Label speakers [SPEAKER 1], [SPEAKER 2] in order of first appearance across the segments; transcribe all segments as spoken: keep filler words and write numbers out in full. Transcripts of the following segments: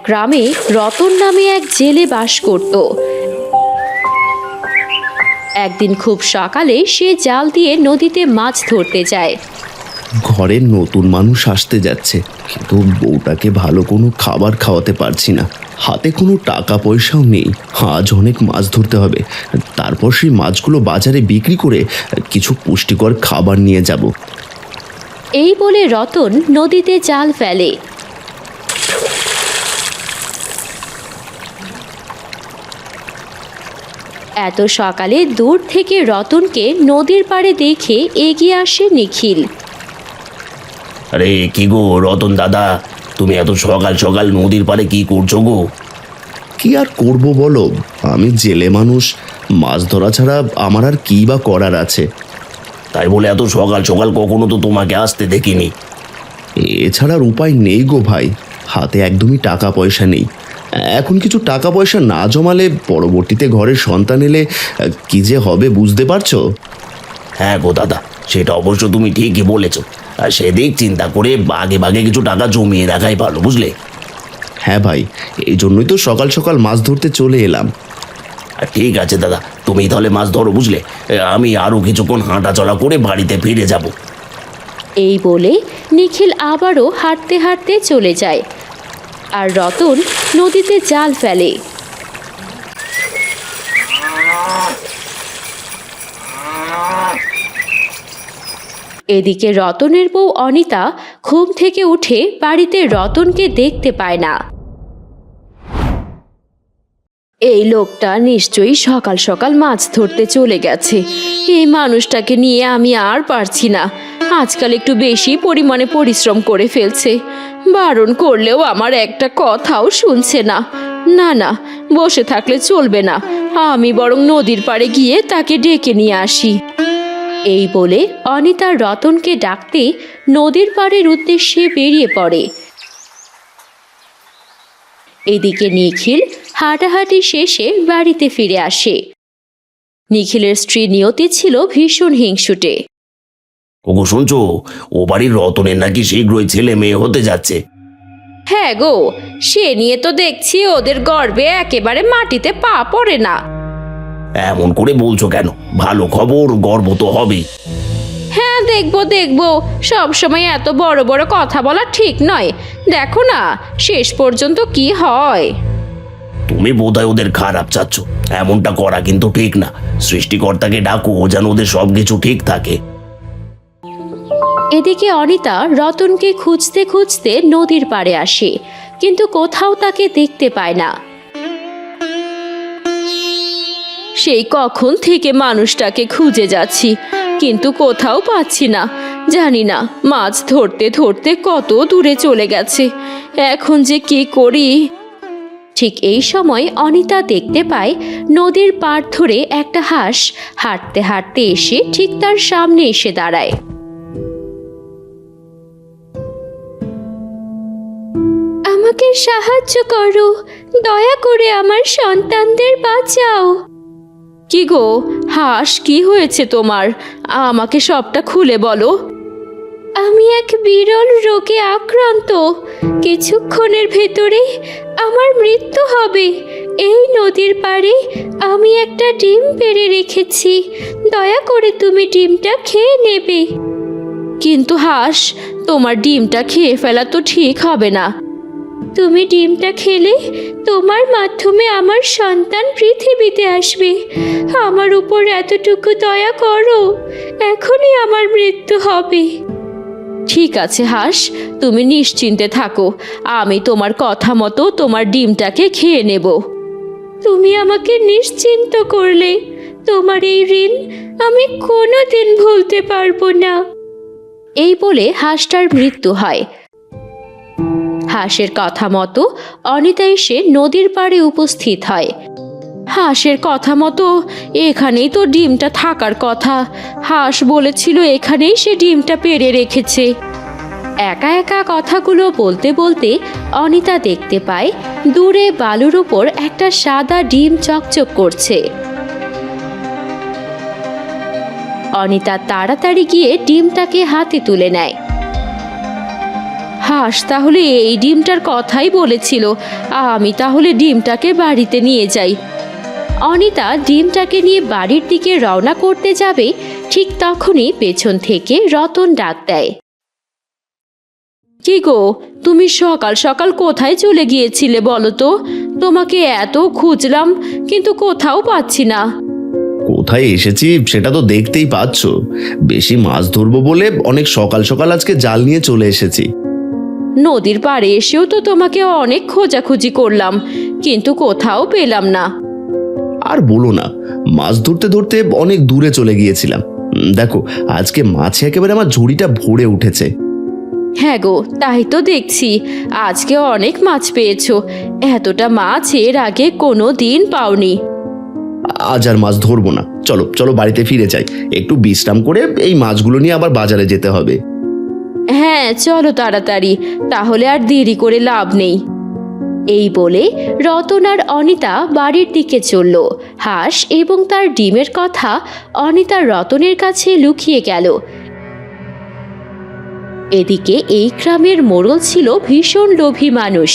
[SPEAKER 1] গ্রামে রতন নামে এক জেলে বাস করত। একদিন খুব সকালে সে জাল দিয়ে নদীতে মাছ ধরতে যায়।
[SPEAKER 2] ঘরের নতুন মানুষ আসতে যাচ্ছে, কিন্তু বউটাকে ভালো কোনো খাবার খাওয়াতে পারছি না। হাতে কোনো টাকা পয়সাও নেই। আজ অনেক মাছ ধরতে হবে, তারপর সেই মাছগুলো বাজারে বিক্রি করে কিছু পুষ্টিকর খাবার নিয়ে যাব।
[SPEAKER 1] এই বলে রতন নদীতে জাল ফেলে। এত সকালে দূর থেকে রতনকে নদীর পাড়ে দেখে এগিয়ে আসে নিখিল।
[SPEAKER 3] আরে কি গো রতন দাদা, তুমি এত সকাল সকাল নদীর পাড়ে কি করছো গো?
[SPEAKER 2] কি আর করব বলো, আমি জেলে মানুষ, মাছ ধরা ছাড়া আমার আর কী বা করার আছে।
[SPEAKER 3] তাই বলে এত সকাল সকাল কখনো তো তোমাকে আসতে দেখিনি।
[SPEAKER 2] এছাড়ার উপায় নেই গো ভাই, হাতে একদমই টাকা পয়সা নেই। এখন কিছু টাকা পয়সা না জমালে পরবর্তীতে ঘরের সন্তান এলে কি যে হবে বুঝতে পারছো।
[SPEAKER 3] হ্যাঁ গো দাদা, সেটা অবশ্য তুমি ঠিকই বলেছো। আর সেদিক চিন্তা করে বাগে বাগে কিছু টাকা জমিয়ে রাখাই ভালো, বুঝলে?
[SPEAKER 2] হ্যাঁ ভাই, এই জন্যই তো সকাল সকাল মাছ ধরতে চলে এলাম।
[SPEAKER 3] আর ঠিক আছে দাদা, তুমি তাহলে মাছ ধরো, বুঝলে? আমি আরও কিছুক্ষণ হাঁটাচলা করে বাড়িতে ফিরে যাব।
[SPEAKER 1] এই বলে নিখিল আবারও হাঁটতে হাঁটতে চলে যায়, আর রতন নদীতে জাল ফেলে। এদিকে রতনের বউ অনিতা ঘুম থেকে উঠে বাড়িতে রতনকে দেখতে পায় না। এই লোকটা নিশ্চয়ই সকাল সকাল মাছ ধরতে চলে গেছে। এই মানুষটাকে নিয়ে আমি আর পারছি না। আজকাল একটু বেশি পরিমাণে পরিশ্রম করে ফেলছে। বারণ করলেও আমার একটা কথাও শুনছে না। না না, বসে থাকলে চলবে না, আমি বরং নদীর পাড়ে গিয়ে তাকে ডেকে নিয়ে আসি। এই বলে অনিতা রতনকে ডাকতে নদীর পাড়ের উদ্দেশ্যে বেরিয়ে পড়ে। এদিকে নিখিল হাঁটাহাঁটি শেষে বাড়িতে ফিরে আসে। নিখিলের স্ত্রী নিয়তি ছিল ভীষণ হিংসুটে।
[SPEAKER 3] ওগো শুনছো, ও বাড়ির রতনের নাকি শীঘ্রই ছেলে মেয়ে হতে যাচ্ছে।
[SPEAKER 1] হ্যাঁ গো, সে নিয়ে তো দেখছি ওদের গর্বে একেবারে মাটিতে পা পড়ে না।
[SPEAKER 3] এমন করে বলছো কেন? ভালো খবর, গর্ব তো হবে।
[SPEAKER 1] হ্যাঁ দেখবো দেখবো, সব সময় এত বড় বড় কথা বলা ঠিক নয়। দেখো না শেষ পর্যন্ত কি হয়।
[SPEAKER 3] তুমি বোধহয় ওদের খারাপ চাচ্ছ। এমনটা করা কিন্তু ঠিক না। সৃষ্টিকর্তাকে ডাকো যেন ওদের সব কিছু ঠিক থাকে।
[SPEAKER 1] এদিকে অনিতা রতনকে খুঁজতে খুঁজতে নদীর পাড়ে আসে, কিন্তু কোথাও তাকে দেখতে পায় না। সেই কখন থেকে মানুষটাকে খুঁজে যাচ্ছি, কিন্তু কোথাও পাচ্ছি না। জানি না মাছ ধরতে ধরতে কত দূরে চলে গেছে। এখন যে কি করি। ঠিক এই সময় অনিতা দেখতে পায় নদীর পাড় ধরে একটা হাঁস হাঁটতে হাঁটতে এসে ঠিক তার সামনে এসে দাঁড়ায়। আমাকে সাহায্য করো, দয়া করে আমার সন্তানদের বাঁচাও। কি গো হাঁস, কি হয়েছে তোমার? আমাকে সবটা খুলে বলো। আমি এক বিরল রোগে আক্রান্ত। কিছুক্ষণের ভেতরে আমার মৃত্যু হবে। এই নদীর পাড়ে আমি একটা ডিম পেড়ে রেখেছি, দয়া করে তুমি ডিমটা খেয়ে নেবে। কিন্তু হাঁস, তোমার ডিমটা খেয়ে ফেলা তো ঠিক হবে না। তুমি ডিমটা খেলে তোমার মাধ্যমে আমার সন্তান পৃথিবীতে আসবে। আমার উপর এতটুকু দয়া করো, এখনই আমার মৃত্যু হবে। ঠিক আছে হাঁস, তুমি নিশ্চিন্তে থাকো, আমি তোমার কথা মতো তোমার ডিমটাকে খেয়ে নেব। তুমি আমাকে নিশ্চিন্ত করলে, তোমার এই ঋণ আমি কোনোদিন ভুলতে পারবো না। এই বলে হাঁসটার মৃত্যু হয়। হাঁসের কথা মতো অনিতা এসে নদীর পাড়ে উপস্থিত হয়। হাঁসের কথা মতো এখানেই তো ডিমটা থাকার কথা। হাঁস বলেছিল এখানেই সে ডিমটা পেড়ে রেখেছে। একা একা কথাগুলো বলতে বলতে অনিতা দেখতে পায় দূরে বালুর উপর একটা সাদা ডিম চকচক করছে। অনিতা তাড়াতাড়ি গিয়ে ডিমটাকে হাতে তুলে নেয়। হাঁস তাহলে এই ডিমটার কথাই বলেছিল। আমি তাহলে ডিমটাকে বাড়িতে নিয়ে যাই। অনিতা ডিমটাকে নিয়ে বাড়ির দিকে রওনা করতে যাবে, ঠিক তখনই পেছন থেকে রতন ডাক দেয়। কি গো, তুমি সকাল সকাল কোথায় চলে গিয়েছিলে বলো তো? তোমাকে এত খুঁজলাম কিন্তু কোথাও পাচ্ছি না।
[SPEAKER 2] কোথায় এসেছি সেটা তো দেখতেই পাচ্ছ। বেশি মাছ ধরবো বলে অনেক সকাল সকাল আজকে জাল নিয়ে চলে এসেছি।
[SPEAKER 1] নদীর পাড়ে এসেও তো তোমাকে অনেক খোঁজাখুঁজি করলাম, কিন্তু কোথাও পেলাম না।
[SPEAKER 2] আর বলো না, মাছ ধরতে ধরতে অনেক দূরে চলে গিয়েছিলাম। উম, দেখো আজকে মাছে একেবারে আমার ঝুড়িটা ভরে উঠেছে।
[SPEAKER 1] হ্যাঁ গো, তাই তো দেখছি আজকে অনেক মাছ পেয়েছো। এতটা মাছ এর আগে কোনো দিন পাওনি।
[SPEAKER 2] আজ আর মাছ ধরবো না, চলো চলো বাড়িতে ফিরে যাই। একটু বিশ্রাম করে এই মাছগুলো নিয়ে আবার বাজারে যেতে হবে।
[SPEAKER 1] হ্যাঁ চলো তাড়াতাড়ি, তাহলে আর দেরি করে লাভ নেই। এই বলে রতন আর অনিতা বাড়ির দিকে চলল। হাঁস এবং তার ডিমের কথা অনিতা রতনের কাছে লুকিয়ে গেল। এদিকে এই গ্রামের মোড়ল ছিল ভীষণ লোভী মানুষ,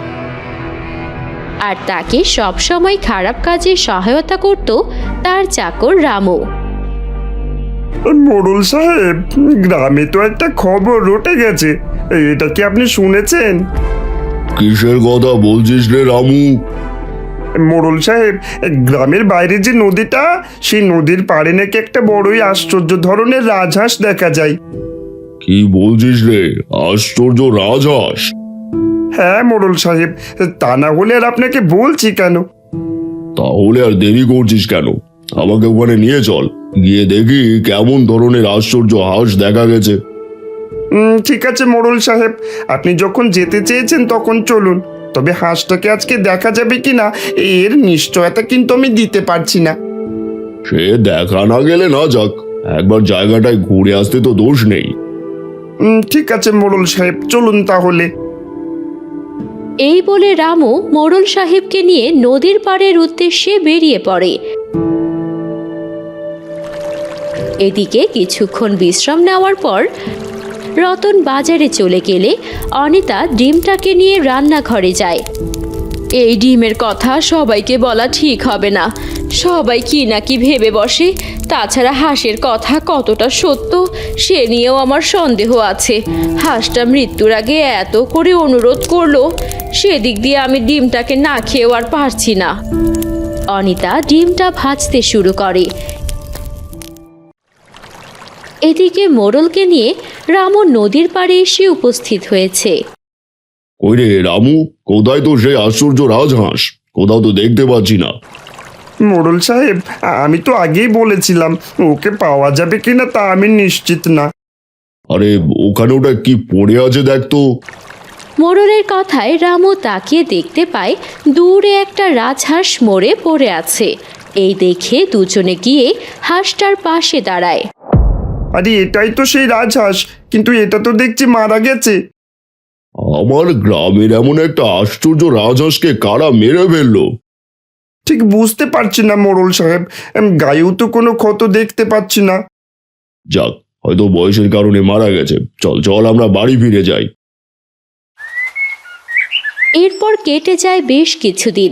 [SPEAKER 1] আর তাকে সবসময় খারাপ কাজে সহায়তা করত তার চাকর রামু।
[SPEAKER 4] মোড়ল সাহেব, গ্রামে তো একটা খবর রটে গেছে, এটা কি আপনি শুনেছেন?
[SPEAKER 2] কিসের কথা বলছিস রে রামু?
[SPEAKER 4] মোড়ল সাহেব, গ্রামের বাইরে যে নদীটা, সেই নদীর পাড়ে নাকি একটা বড়ই আশ্চর্য ধরনের রাজহাঁস দেখা যায়।
[SPEAKER 2] কি বলছিস রে? আশ্চর্য রাজহাঁস?
[SPEAKER 4] হ্যাঁ মোড়ল সাহেব, তা না হলে আর আপনাকে বলছি কেন।
[SPEAKER 2] তাহলে আর দেরি করছিস কেন? আমাকে ওখানে নিয়ে চল, গিয়ে দেখি কেমন ধরনের আশ্চর্য হাঁস দেখা গেছে।
[SPEAKER 4] উম, ঠিক আছে মোড়ল সাহেব, আপনি যখন যেতে চেয়েছেন তখন চলুন। তবে হাঁসটাকে আজকে দেখা যাবে কিনা এর নিশ্চয়তা কিন্তু আমি দিতে পারছি না।
[SPEAKER 2] সে দেখা না গেলে না যাক, একবার জায়গাটায় ঘুরে আসতে তো দোষ নেই।
[SPEAKER 4] উম, ঠিক আছে মোড়ল সাহেব, চলুন তাহলে।
[SPEAKER 1] এই বলে রামু মোড়ল সাহেবকে নিয়ে নদীর পাড়ের উদ্দেশ্যে বেরিয়ে পড়ে। এদিকে কিছুক্ষণ বিশ্রাম নেওয়ার পর রতন বাজারে চলে গেলে অনিতা ডিমটাকে নিয়ে রান্নাঘরে যায়। এই ডিমের কথা সবাইকে বলা ঠিক হবে না, সবাই কি না কি ভেবে বসে। তাছাড়া হাঁসের কথা কতটা সত্য সে নিয়েও আমার সন্দেহ আছে। হাঁসটা মৃত্যুর আগে এত করে অনুরোধ করলো, সেদিক দিয়ে আমি ডিমটাকে না খেয়েও আর পারছি না। অনিতা ডিমটা ভাজতে শুরু করে। এদিকে মোড়লকে নিয়ে রামু নদীর পাড়ে এসে উপস্থিত হয়েছে।
[SPEAKER 2] ওই রে রামু, কোথায় তো সেই আশ্চর্য রাজহাঁস? কোথাও তো দেখতে পাচ্ছি না।
[SPEAKER 4] মোড়ল সাহেব, আমি তো আগেই বলেছিলাম ওকে পাওয়া যাবে কিনা তা আমি নিশ্চিত না।
[SPEAKER 2] আরে ওখানে ওটা কি পড়ে আছে দেখতো।
[SPEAKER 1] মোড়লের কথায় রামু তাকিয়ে দেখতে পায় দূরে একটা রাজহাঁস মরে পড়ে আছে। এই দেখে দুজনে গিয়ে হাঁসটার পাশে দাঁড়ায়।
[SPEAKER 4] আরে এটাই তো সেই রাজহাঁস, কিন্তু এটা তো দেখছি মারা গেছে।
[SPEAKER 2] আমার গ্রামের এমন একটা আশ্চর্য রাজহাঁসকে কারা মেরে ফেললো?
[SPEAKER 4] ঠিক বুঝতে পারছি না মোড়ল সাহেব, এম, গায়েও তো কোনো ক্ষত দেখতে পাচ্ছি না।
[SPEAKER 2] যাক, হয়তো বয়সের কারণে মারা গেছে। চল চল আমরা বাড়ি ফিরে যাই।
[SPEAKER 1] এরপর কেটে যায় বেশ কিছুদিন।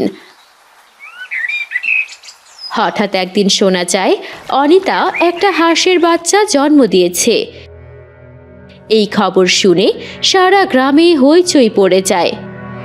[SPEAKER 1] হঠাৎ একদিন শোনা যায় অনিতা একটা হাঁসের বাচ্চা জন্ম দিয়েছে। এই খবর শুনে সারা গ্রামে হইচই পড়ে যায়।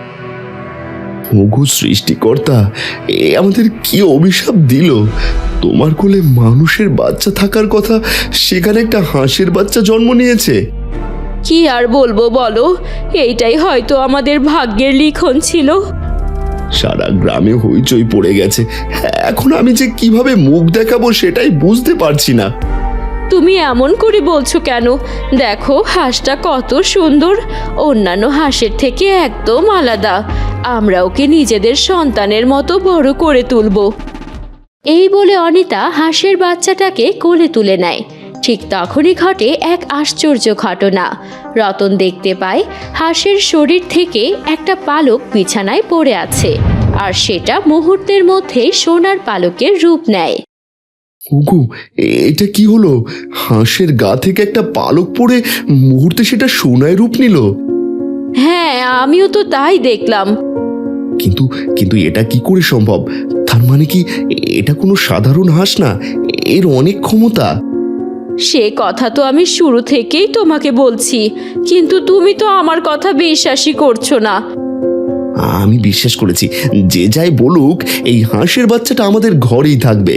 [SPEAKER 2] ওগো সৃষ্টিকর্তা, এ আমাদের কি অভিশাপ দিল? তোমার কোলে মানুষের বাচ্চা থাকার কথা, সেখানে একটা হাঁসের বাচ্চা জন্ম নিয়েছে।
[SPEAKER 1] কি আর বলবো বলো, এইটাই হয়তো আমাদের ভাগ্যের লিখন ছিল।
[SPEAKER 2] সারা গ্রামে হইচই পড়ে গেছে। এখন আমি যে কিভাবে মুখ দেখাবো সেটাই বুঝতে পারছি না।
[SPEAKER 1] তুমি এমন করে বলছো কেন? দেখো হাঁসটা কত সুন্দর, অন্যান্য হাঁসের থেকে একদম আলাদা। আমরা ওকে নিজেদের সন্তানের মতো বড় করে তুলব। এই বলে অনিতা হাঁসের বাচ্চাটাকে কোলে তুলে নেয়। ঠিক তখনই ঘটে এক আশ্চর্য ঘটনা। রতন দেখতে পায় হাঁসের শরীর থেকে একটা পালক বিছানায় পড়ে আছে, আর সেটা মুহূর্তের মধ্যে সোনার পালকের রূপ নেয়।
[SPEAKER 2] ওগো, এটা কি হলো? হাঁসের গা থেকে একটা পালক পড়ে মুহূর্তে সেটা সোনায় রূপ নিল।
[SPEAKER 1] হ্যাঁ, আমিও তো তাই দেখলাম।
[SPEAKER 2] কিন্তু কিন্তু এটা কি করে সম্ভব? তার মানে কি এটা কোনো সাধারণ হাঁস না, এর অনেক ক্ষমতা।
[SPEAKER 1] সে কথা তো আমি শুরু থেকেই তোমাকে বলছি, কিন্তু তুমি তো আমার কথা বিশ্বাসই করছো না।
[SPEAKER 2] আমি বিশ্বাস করেছি, যে যাই বলুক এই হাঁসের বাচ্চাটা আমাদের ঘরেই থাকবে।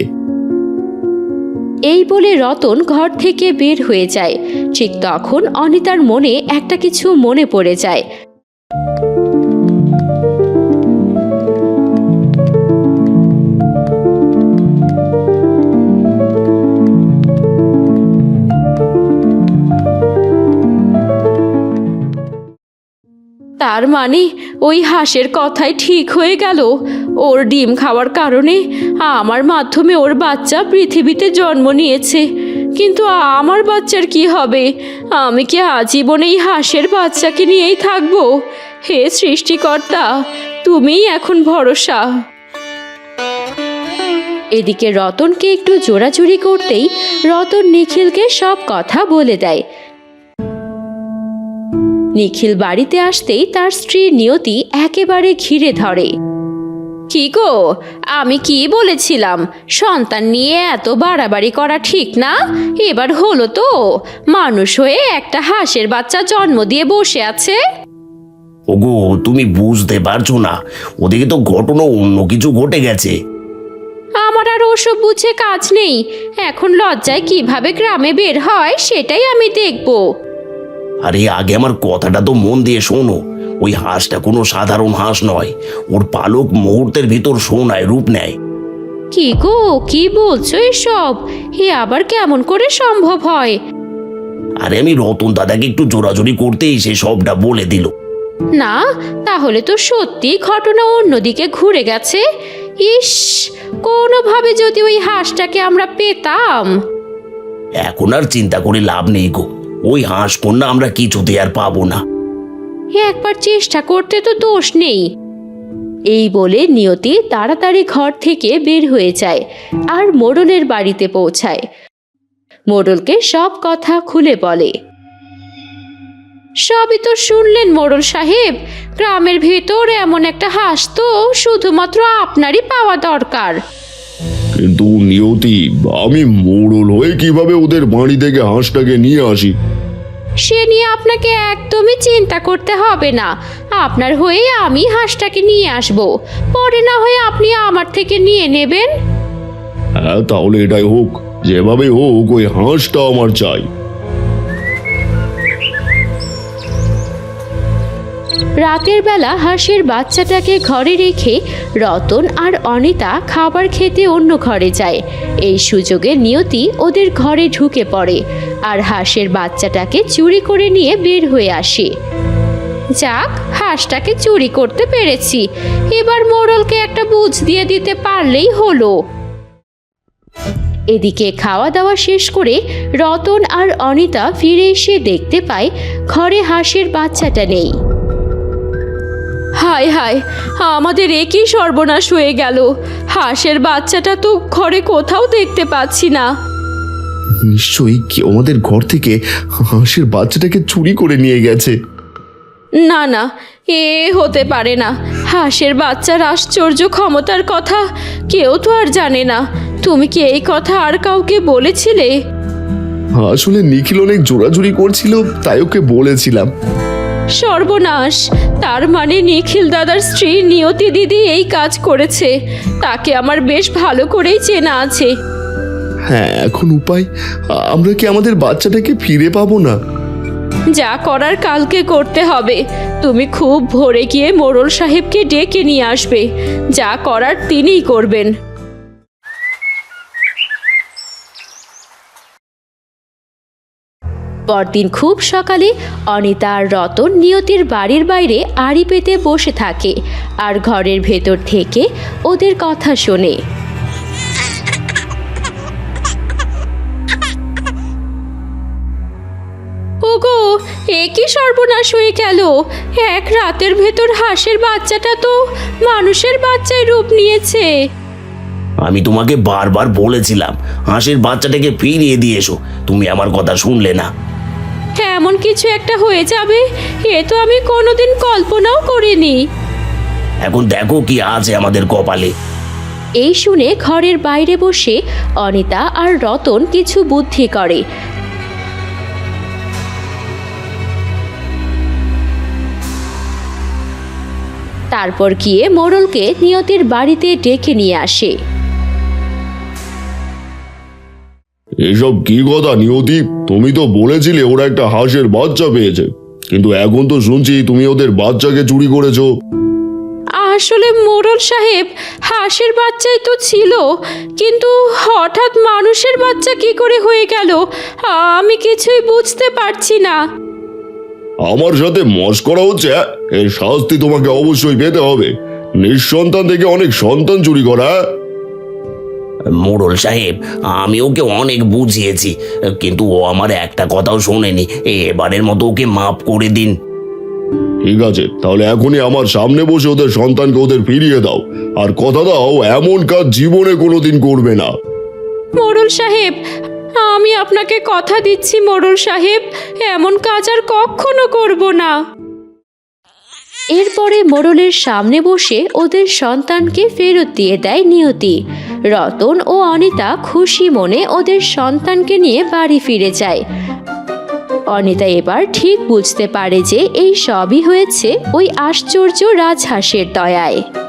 [SPEAKER 1] এই বলে রতন ঘর থেকে বের হয়ে যায়। ঠিক তখন অনিতার মনে একটা কিছু মনে পড়ে যায়। তার মানে ওই হাঁসের কথাই ঠিক হয়ে গেল। ওর ডিম খাওয়ার কারণে আমার মাধ্যমে ওর বাচ্চা পৃথিবীতে জন্ম নিয়েছে। কিন্তু আমার বাচ্চার কি হবে? আমি কি আজীবন এই হাঁসের বাচ্চাকে নিয়েই থাকবো? হে সৃষ্টিকর্তা, তুমিই এখন ভরসা। এদিকে রতনকে একটু জোরাজুরি করতেই রতন নিখিলকে সব কথা বলে দেয়। নিখিল বাড়িতে আসতেই তার স্ত্রী নিয়তি একেবারে ঘিরে ধরে। কি গো, আমি কি বলেছিলাম? সন্তান নিয়ে এত বাড়াবাড়ি করা ঠিক না। এবার হলো তো, মানুষ হয়ে একটা হাঁসের বাচ্চা জন্ম দিয়ে বসে আছে।
[SPEAKER 3] ওগো, তুমি বুঝতে পারছো না, ওদিকে তো ঘটনা অন্য কিছু ঘটে গেছে।
[SPEAKER 1] আমার আর ওসব বুঝে কাজ নেই। এখন লজ্জায় কিভাবে গ্রামে বের হয় সেটাই আমি দেখবো।
[SPEAKER 3] আরে আগে আমার কথাটা তো মন দিয়ে শোনো। ওই হাঁসটা কোনো সাধারণ হাঁস নয়, ওর পালক মুহূর্তের ভিতর সোনায় রূপ নেয়।
[SPEAKER 1] কি গো, কি বলছো এসব? এ আবার কেমন করে সম্ভব হয়?
[SPEAKER 3] আরে আমি রতন দাদাকে একটু জোরাজোরি করতেই সে সবটা বলে দিল।
[SPEAKER 1] না, তাহলে তো সত্যি ঘটনা অন্যদিকে ঘুরে গেছে। ইস, কোনোভাবে যদি ওই হাঁসটাকে আমরা পেতাম।
[SPEAKER 3] এখন আর চিন্তা করে লাভ নেই গো, ওই হাঁস কন্যা আমরা কিছুতে আর পাবো না।
[SPEAKER 1] একবার চেষ্টা করতে তো দোষ নেই। এই বলে নিয়তি তাড়াতাড়ি ঘর থেকে বের হয়ে যায় আর মোড়লের বাড়িতে পৌঁছায়। মোড়লকে সব কথা খুলে বলে। সবই তো শুনলেন মোড়ল সাহেব। গ্রামের ভেতর এমন একটা হাঁস তো শুধুমাত্র আপনারই পাওয়া দরকার।
[SPEAKER 2] কিন্তু নিয়তি, আমি মোড়ল হয়ে কিভাবে ওদের বাড়ি থেকে হাঁসটাকে নিয়ে আসি?
[SPEAKER 1] সে নিয়ে আপনাকে একদমই চিন্তা করতে হবে না। আপনার হয়ে আমি হাঁসটাকে নিয়ে আসব, পরে না হয়ে আপনি আমার থেকে নিয়ে নেবেন।
[SPEAKER 2] হ্যাঁ, তাহলে এটাই হোক, যেভাবে হোক ওই হাঁসটা আমার চাই।
[SPEAKER 1] রাতের বেলা হাঁসের বাচ্চাটাকে ঘরে রেখে রতন আর অনিতা খাবার খেতে অন্য ঘরে যায়। এই সুযোগে নিয়তি ওদের ঘরে ঢুকে পড়ে আর হাঁসের বাচ্চাটাকে চুরি করে নিয়ে বের হয়ে আসে। যাক, হাঁসটাকে চুরি করতে পেরেছি। এবার মোড়লকে একটা বুঝ দিয়ে দিতে পারলেই হলো। এদিকে খাওয়া দাওয়া শেষ করে রতন আর অনিতা ফিরে এসে দেখতে পায় ঘরে হাঁসের বাচ্চাটা নেই। হায় হায়, আমাদের একই সর্বনাশ হয়ে গেল। হাঁসের বাচ্চাটা তো ঘরে কোথাও দেখতে পাচ্ছি না।
[SPEAKER 2] নিশ্চয়ই কেউ আমাদের ঘর থেকে হাঁসের বাচ্চাটাকে চুরি করে নিয়ে গেছে।
[SPEAKER 1] না না, এ হতে পারে না। হাঁসের বাচ্চার আশ্চর্য ক্ষমতার কথা কেউ তো আর জানে না। তুমি কি এই কথা আর কাউকে বলেছিলে?
[SPEAKER 2] আসলে নিখিল অনেক জোরাজুরি করছিল, তাই ওকে বলেছিলাম।
[SPEAKER 1] সর্বনাশ, তার মানে নিখিল দাদার স্ত্রী নিয়তি দিদি এই কাজ করেছে। তাকে আমার বেশ ভালো করেই চেনা আছে।
[SPEAKER 2] হ্যাঁ, এখন উপায়? আমরা কি আমাদের বাচ্চাটাকে ফিরে পাবো না?
[SPEAKER 1] যা করার কালকে করতে হবে। তুমি খুব ভোরে গিয়ে মোড়ল সাহেবকে ডেকে নিয়ে আসবে। যা করার তিনিই করবেন। পরদিন খুব সকালে অনিতা আর রতন নিয়তির বাড়ির বাইরে আড়ি পেতে বসে থাকে আর ঘরের ভেতর থেকে ওদের কথা শোনে। ওগো, এ কি সর্বনাশ হয়ে গেল! এক রাতের ভেতর হাঁসের বাচ্চাটা তো মানুষের বাচ্চায় রূপ নিয়েছে।
[SPEAKER 3] আমি তোমাকে বারবার বলেছিলাম হাঁসের বাচ্চাটাকে ফিরিয়ে দিয়ে এসো, তুমি আমার কথা শুনলে না।
[SPEAKER 1] এমন কিছু একটা হয়ে যাবে এ তো আমি কোনোদিন কল্পনাও করিনি।
[SPEAKER 3] এখন দেখো কি আছে আমাদের কপালে।
[SPEAKER 1] এই শুনে ঘরের বাইরে বসে অনিতা আর রতন কিছু বুদ্ধি করে। তারপর গিয়ে মোড়লকে নিয়তির বাড়িতে ডেকে নিয়ে আসে।
[SPEAKER 5] এসব কি কথা নিয়তি? তুমি তো বলেছিলে ওরা একটা হাঁসের বাচ্চা পেয়েছে, কিন্তু এখন তো শুনছি তুমি ওদের বাচ্চাকে চুরি করেছো।
[SPEAKER 1] আসলে মোড়ল সাহেব, হাঁসের বাচ্চাই তো ছিল, কিন্তু হঠাৎ মানুষের বাচ্চা কি করে হয়ে গেল আমি কিছুই বুঝতে পারছি না।
[SPEAKER 5] আমার সাথে মশকরা হচ্ছে? এর শাস্তি তোমাকে অবশ্যই পেতে হবে। নিঃসন্তান থেকে অনেক সন্তান চুরি করা।
[SPEAKER 3] মোড়ল সাহেব, আমি ওকে অনেক বুঝিয়েছি, কিন্তু ও আমার একটা কথাও শোনেনি। এবারের মতো ওকে মাফ করে দিন।
[SPEAKER 5] ঠিক আছে, তাহলে এখনই আমার সামনে বসে ওদের সন্তানকে ওদের ফিরিয়ে দাও, আর কথা দাও এমন কাজ জীবনে কোনোদিন করবে না।
[SPEAKER 1] মোড়ল সাহেব, আমি আপনাকে কথা দিচ্ছি মোড়ল সাহেব, এমন কাজ আর কখনো করব না। এরপরে মোড়লের সামনে বসে ওদের সন্তানকে ফেরত দিয়ে দেয় নিয়তি। রতন ও অনিতা খুশি মনে ওদের সন্তানকে নিয়ে বাড়ি ফিরে যায়। অনিতা এবার ঠিক বুঝতে পারে যে এই সবই হয়েছে ওই আশ্চর্য রাজহাঁসের দয়ায়।